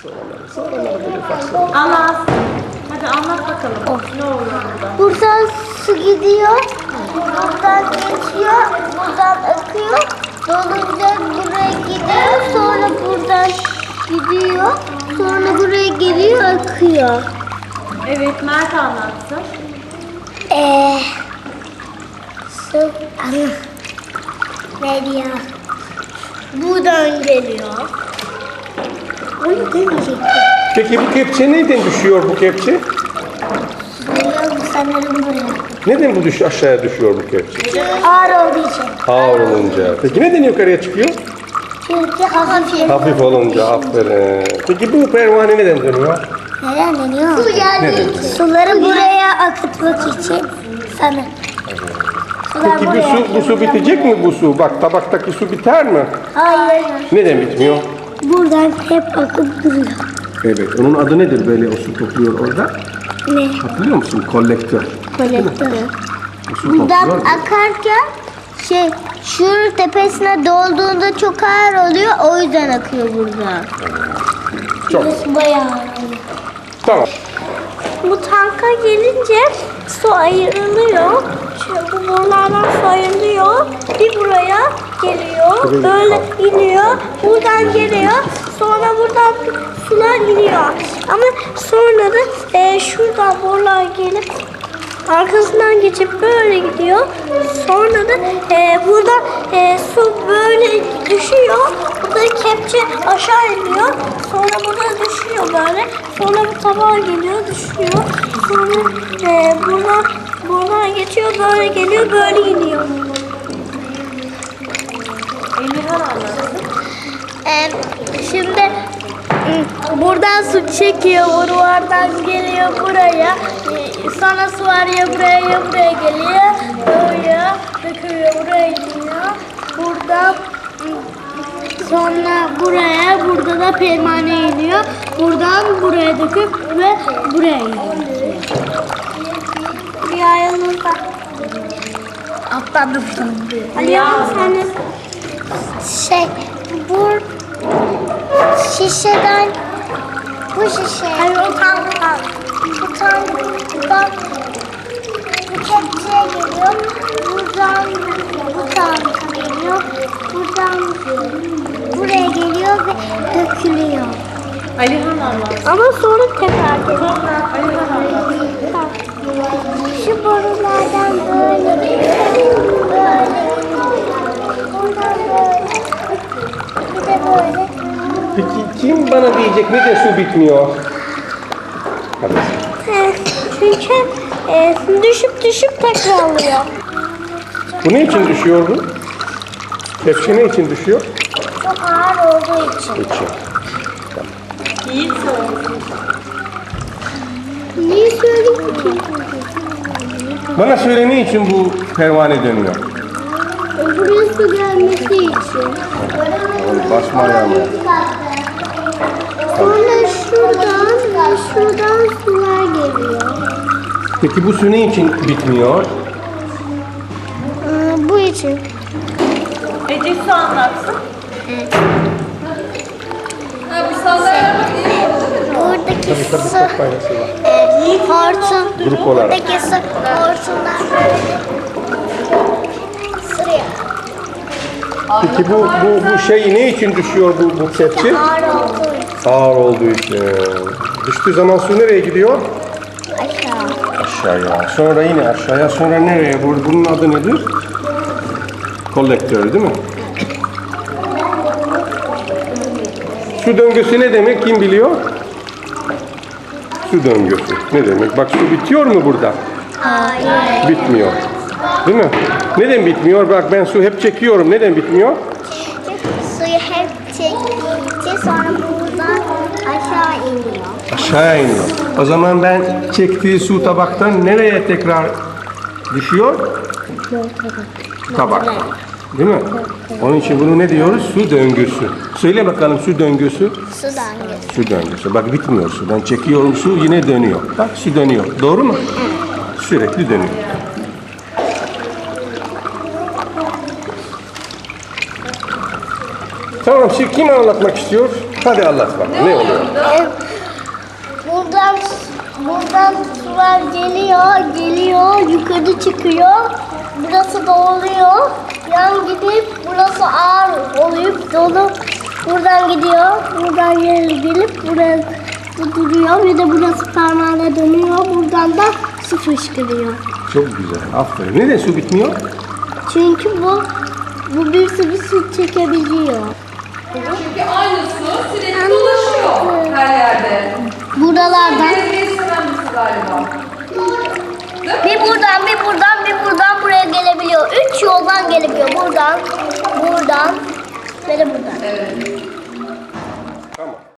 Soruları böyle farklı. Allah. Hadi anlat bakalım. Ne oluyor burada? Buradan su gidiyor, buradan geçiyor, buradan akıyor, dolunca buraya gidiyor, sonra buradan gidiyor, sonra buraya geliyor, akıyor. Evet, Mert anlatsın. Su veriyor. Buradan geliyor. Onu demeyecektim. Peki bu kepçe neden düşüyor bu kepçe? Biliyorum sanırım buraya. Neden bu aşağıya düşüyor bu kepçe? Ağır olduğu için. Ağır olunca. Peki neden yukarıya çıkıyor? Çünkü hafif. Hafif olunca, aferin. Peki bu pervane neden dönüyor? Neden deniyor? Su Neden? Suları buraya akıtmak için sanırım. Sular Peki buraya bu su bitecek mi bu su? Bak tabaktaki su biter mi? Hayır. Neden bitmiyor? Buradan hep akıp duruyor. Evet. Onun adı nedir böyle o su topluyor orada? Ne? Hatırlıyor musun? Kolektör. Kolektörü. O su Buradan topluyor. akarken şunun tepesine dolduğunda çok ağır oluyor. O yüzden akıyor buradan. Çok. Burası bayağı ağır. Tamam. Bu tanka gelince su ayrılıyor. Bu borulardan su ayrılıyor. Bir buraya geliyor. Böyle iniyor. Buradan geliyor. Sonra buradan sular iniyor. Ama sonra da şuradan borular gelip arkasından geçip böyle gidiyor. Sonra da burada su böyle düşüyor. Burada kepçe aşağı iniyor. Sonra burada düşüyor böyle. Sonra bu tabağa geliyor, düşüyor. Sonra buradan geçiyor, böyle geliyor, böyle iniyor. Emirhan anlatsın. Şimdi buradan su çekiyor, buradan geliyor buraya. Sonra su var ya buraya geliyor. Buraya dökülüyor, buraya iniyor. Buradan sonra burada da pervane iniyor. Buradan buraya döküp ve buraya iniyor. Bir yanımda. Atladım şimdi. Ali sen bu şişeden bu şişe. Hayır o tanktan. Bu tanktan bu kepçeye geliyor. Buradan bu tanka geliyor. Buradan buraya geliyor ve dökülüyor. Alihan anlatsın. Ama sonra tekrar geliyor. Alihan anlatsın. Şu borulardan böyle buradan böyle bir de böyle. Peki kim bana diyecek neden su bitmiyor? Hadi. Çünkü düşüp tekrarlıyor. Bu ne için düşüyor bu? Kepçe ne için düşüyor? Çok ağır olduğu için. İçin. Yiğit söylesin. Niye söyleyeyim ki? Bana söyle ne için bu pervane dönüyor? Buraya su gelmesi için. Basma ayağıma. Sonra şuradan sular geliyor. Peki bu su ne için bitmiyor? Bu için. Ece su anlatsın. Buradaki Tabii su çok faydası var. hortum. Grup olarak. Buradaki su hortumdan böyle sırıyor. Peki bu şey ne için düşüyor bu kepçe? Ağır olduğu için. Ağır olduğu için. Düştüğü zaman su nereye gidiyor? Aşağı. Aşağıya. Sonra yine aşağıya. Sonra nereye? Bunun adı nedir? Kolektör değil mi? Su döngüsü ne demek? Kim biliyor? Su döngüsü. Ne demek? Bak su bitiyor mu burada? Hayır. Bitmiyor. Değil mi? Neden bitmiyor? Bak ben su hep çekiyorum. Neden bitmiyor? Suyu hep çektikçe sonra buradan aşağı iniyor. Aşağıya iniyor. O zaman ben çektiği su tabaktan nereye tekrar düşüyor? Tabak. Değil mi? Onun için bunu ne diyoruz? Su döngüsü. Söyle bakalım su döngüsü. Sudan geçiyor. Su döngüsü. Bak bitmiyor su. Ben çekiyorum su yine dönüyor. Bak su dönüyor. Doğru mu? Sürekli dönüyor. Tamam şimdi kim anlatmak istiyor? Hadi anlat bakalım ne oluyor? Buradan sular geliyor, yukarı çıkıyor. Burası doluyor. Yan gidip burası ağır olup dolu. Buradan gidiyor. Buradan gelip buraya duruyor. Bir de burası parmağına dönüyor. Buradan da su fışkırıyor. Çok güzel. Aferin. Neden su bitmiyor? Çünkü bu bir sürü su çekebiliyor. Çünkü aynı su sürekli dolaşıyor her yerde. Buralardan Bir